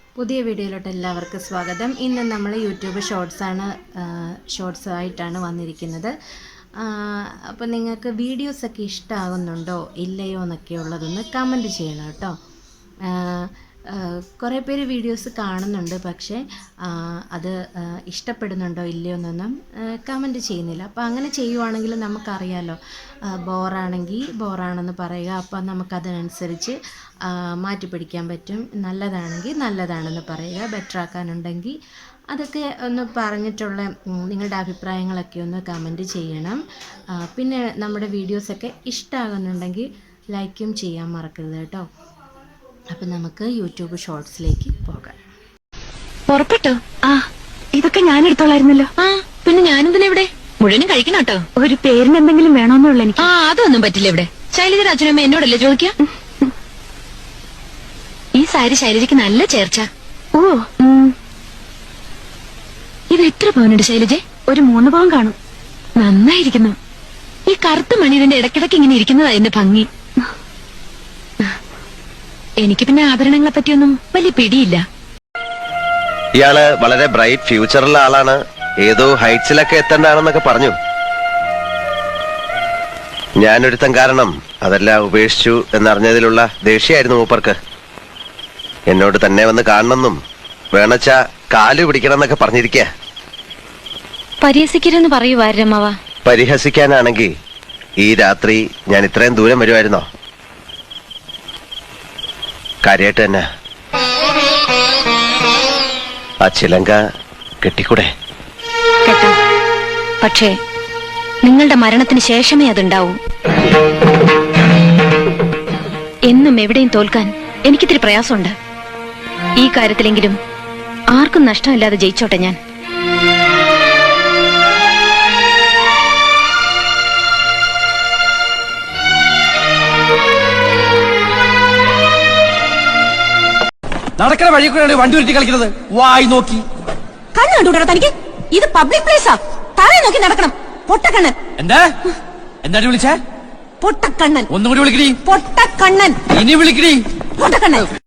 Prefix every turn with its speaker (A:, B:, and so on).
A: പുതിയ വീഡിയോയിലോട്ട് എല്ലാവർക്കും സ്വാഗതം. ഇന്ന് നമ്മൾ യൂട്യൂബ് ഷോർട്സ് ആയിട്ടാണ് വന്നിരിക്കുന്നത്. അപ്പോൾ നിങ്ങൾക്ക് വീഡിയോസൊക്കെ ഇഷ്ടമാകുന്നുണ്ടോ ഇല്ലയോ എന്നൊക്കെ ഉള്ളതൊന്ന് കമൻറ്റ് ചെയ്യണം കേട്ടോ. കുറേ പേര് വീഡിയോസ് കാണുന്നുണ്ട്, പക്ഷേ അത് ഇഷ്ടപ്പെടുന്നുണ്ടോ ഇല്ലയോ എന്നൊന്നും കമൻറ്റ് ചെയ്യുന്നില്ല. അപ്പോൾ അങ്ങനെ ചെയ്യുവാണെങ്കിൽ നമുക്കറിയാമല്ലോ, ബോറാണെങ്കിൽ ബോറാണെന്ന് പറയുക. അപ്പോൾ നമുക്കതിനനുസരിച്ച് മാറ്റിപ്പിടിക്കാൻ പറ്റും. നല്ലതാണെങ്കിൽ നല്ലതാണെന്ന് പറയുക. ബെറ്ററാക്കാനുണ്ടെങ്കിൽ അതൊക്കെ ഒന്ന് പറഞ്ഞിട്ടുള്ള നിങ്ങളുടെ അഭിപ്രായങ്ങളൊക്കെ ഒന്ന് കമൻറ്റ് ചെയ്യണം. പിന്നെ നമ്മുടെ വീഡിയോസൊക്കെ ഇഷ്ടമാകുന്നുണ്ടെങ്കിൽ ലൈക്കും ചെയ്യാൻ മറക്കരുത് കേട്ടോ. അപ്പം നമുക്ക് യൂട്യൂബ് ഷോർട്സിലേക്ക് പോകാം.
B: പുറപ്പെട്ടോ? ഇതൊക്കെ ഞാൻ എടുത്തോളായിരുന്നല്ലോ.
C: പിന്നെ ഞാനെന്തിനാ ഇവിടെ? മുഴുവനും കഴിക്കണം കേട്ടോ.
B: ഒരു പേരിന് എന്തെങ്കിലും വേണമെന്നുള്ള എനിക്ക്.
C: അതൊന്നും പറ്റില്ല ഇവിടെ. ശൈലജയുടെ അച്ഛനമ്മ എന്നോടല്ലേ ചോദിക്കുക? ഈ സാരി ശൈലജയ്ക്ക് നല്ല ചേർച്ച.
B: ഓ,
C: ഇത് എത്ര പവനുണ്ട് ശൈലജ?
B: ഒരു 3 പവൻ കാണും.
C: നന്നായിരിക്കുന്നു. ഈ കറുത്ത മണി ഇതിന്റെ ഇടയ്ക്കിടയ്ക്ക് ഇങ്ങനെ ഇരിക്കുന്നതാ എന്റെ ഭംഗി. എനിക്ക് പിന്നെ ആഭരണങ്ങളെ പറ്റിയൊന്നും വലിയ പിടിയില്ല.
D: ഇയാള് വളരെ ബ്രൈറ്റ് ഫ്യൂച്ചറുള്ള ആളാണ്, ഏതോ ഹൈറ്റ്സിലൊക്കെ എത്തേണ്ടതാണെന്നൊക്കെ പറഞ്ഞു. ഞാനൊരുത്തൻ കാരണം അതെല്ലാം ഉപേക്ഷിച്ചു എന്നറിഞ്ഞതിലുള്ള ദേഷ്യമായിരുന്നു മൂപ്പർക്ക്. എന്നോട് തന്നെ വന്ന് കാണണമെന്നും വേണച്ച കാലു പിടിക്കണമെന്നൊക്കെ പറഞ്ഞിരിക്കുക.
C: പരിഹസിക്കരുതെന്ന് പറയുവാരമ്മവ.
D: പരിഹസിക്കാനാണെങ്കിൽ ഈ രാത്രി ഞാൻ ഇത്രയും ദൂരം വരുമായിരുന്നോ? കാര്യമായിട്ട് തന്നെ ആ ചിലങ്ക കെട്ടിക്കൂടെ?
C: കേട്ടോ, പക്ഷേ നിങ്ങളുടെ മരണത്തിന് ശേഷമേ അതുണ്ടാവൂ. എന്നും എവിടെയും തോൽക്കാൻ എനിക്കിത്തിരി പ്രയാസമുണ്ട്. ഈ കാര്യത്തിലെങ്കിലും ആർക്കും നഷ്ടമില്ലാതെ ജയിച്ചോട്ടെ ഞാൻ.
E: നടക്കുന്ന വഴി കൂടെ വണ്ടി ഉരുട്ടി കളിക്കുന്നത് വായി നോക്കി.
B: കണ്ണു കണ്ടുകൂടാ തനിക്ക്? ഇത് പബ്ലിക് പ്ലേസാ. താഴെ നോക്കി നടക്കണം. പൊട്ടക്കണ്ണൻ.
E: എന്താ വിളിച്ചേ?
B: പൊട്ടക്കണ്ണൻ.
E: ഒന്നുകൂടി വിളിക്കടി.
B: പൊട്ടക്കണ്ണൻ.
E: ഇനി വിളിക്കടി.
B: പൊട്ടക്കണ്ണൻ.